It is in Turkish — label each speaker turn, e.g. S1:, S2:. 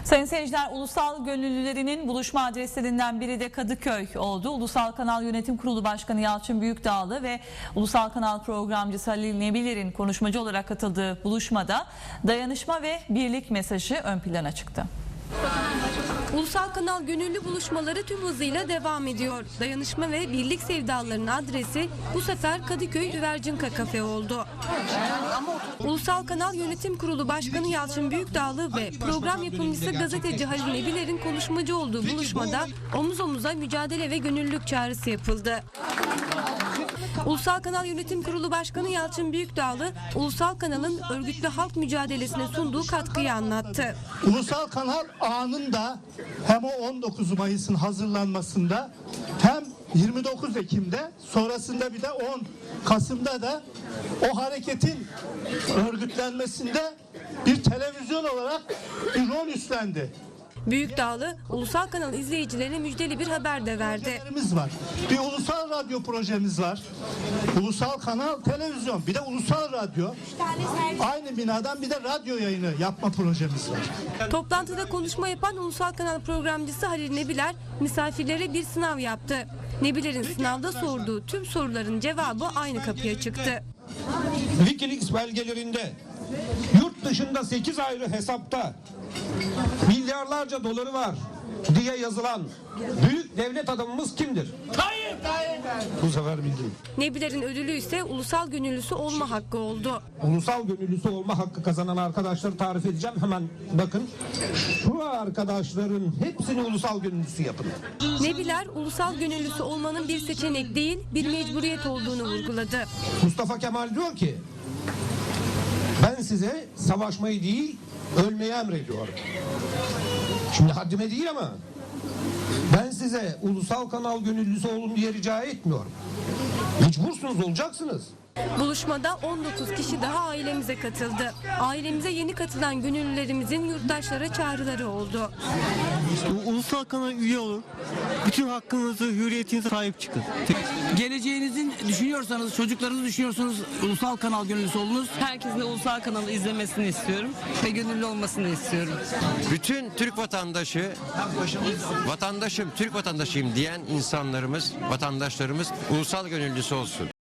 S1: Sayın seyirciler, ulusal gönüllülerinin buluşma adreslerinden biri de Kadıköy oldu. Ulusal Kanal Yönetim Kurulu Başkanı Yalçın Büyükdağlı ve Ulusal Kanal programcısı Halil Nebilir'in konuşmacı olarak katıldığı buluşmada dayanışma ve birlik mesajı ön plana çıktı.
S2: Ulusal Kanal gönüllü buluşmaları tüm hızıyla devam ediyor. Dayanışma ve birlik sevdalarının adresi bu sefer Kadıköy Üvercinka Kafe oldu. Ulusal Kanal Yönetim Kurulu Başkanı Yalçın Büyükdağlı ve program yapımcısı gazeteci Halil Nebilir'in konuşmacı olduğu buluşmada omuz omuza mücadele ve gönüllülük çağrısı yapıldı. Ulusal Kanal Yönetim Kurulu Başkanı Yalçın Büyükdağlı, Ulusal Kanal'ın örgütlü halk mücadelesine sunduğu katkıyı anlattı.
S3: Ulusal Kanal ağının da hem o 19 Mayıs'ın hazırlanmasında hem 29 Ekim'de sonrasında bir de 10 Kasım'da da o hareketin örgütlenmesinde bir televizyon olarak bir rol üstlendi.
S2: Büyükdağlı, Ulusal Kanal izleyicilerine müjdeli bir haber de verdi.
S3: Var. Bir ulusal radyo projemiz var. Ulusal Kanal Televizyon, bir de ulusal radyo. Aynı binadan bir de radyo yayını yapma projemiz var.
S2: Toplantıda konuşma yapan Ulusal Kanal programcısı Halil Nebiler misafirlere bir sınav yaptı. Nebiler'in sınavda sorduğu tüm soruların cevabı aynı kapıya çıktı.
S4: Wikileaks belgelerinde yurt dışında 8 ayrı hesapta milyarlarca doları var diye yazılan büyük devlet adamımız kimdir? Tayyip. Bu sefer bildim.
S2: Nebiler'in ödülü ise ulusal gönüllüsü olma hakkı oldu.
S4: Ulusal gönüllüsü olma hakkı kazanan arkadaşları tarif edeceğim. Hemen bakın. Şu arkadaşların hepsini ulusal gönüllüsü yapın.
S2: Nebiler, ulusal gönüllüsü olmanın bir seçenek değil, bir mecburiyet olduğunu vurguladı.
S4: Mustafa Kemal diyor ki, ben size savaşmayı değil, ölmeyi emrediyorum. Şimdi haddime değil ama ben size ulusal kanal gönüllüsü olun diye rica etmiyorum. Mecbursunuz, olacaksınız.
S2: Buluşmada 19 kişi daha ailemize katıldı. Ailemize yeni katılan gönüllülerimizin yurttaşlara çağrıları oldu.
S5: Ulusal kanala üye olun. Bütün hakkınızı, hürriyetinize sahip çıkın.
S6: Geleceğinizi düşünüyorsanız, çocuklarınızı düşünüyorsanız ulusal kanal gönüllüsü olunuz.
S7: Herkesin ulusal kanalı izlemesini istiyorum ve gönüllü olmasını istiyorum.
S8: Bütün Türk vatandaşı, Türk vatandaşıyım diyen insanlarımız, vatandaşlarımız ulusal gönüllüsü olsun.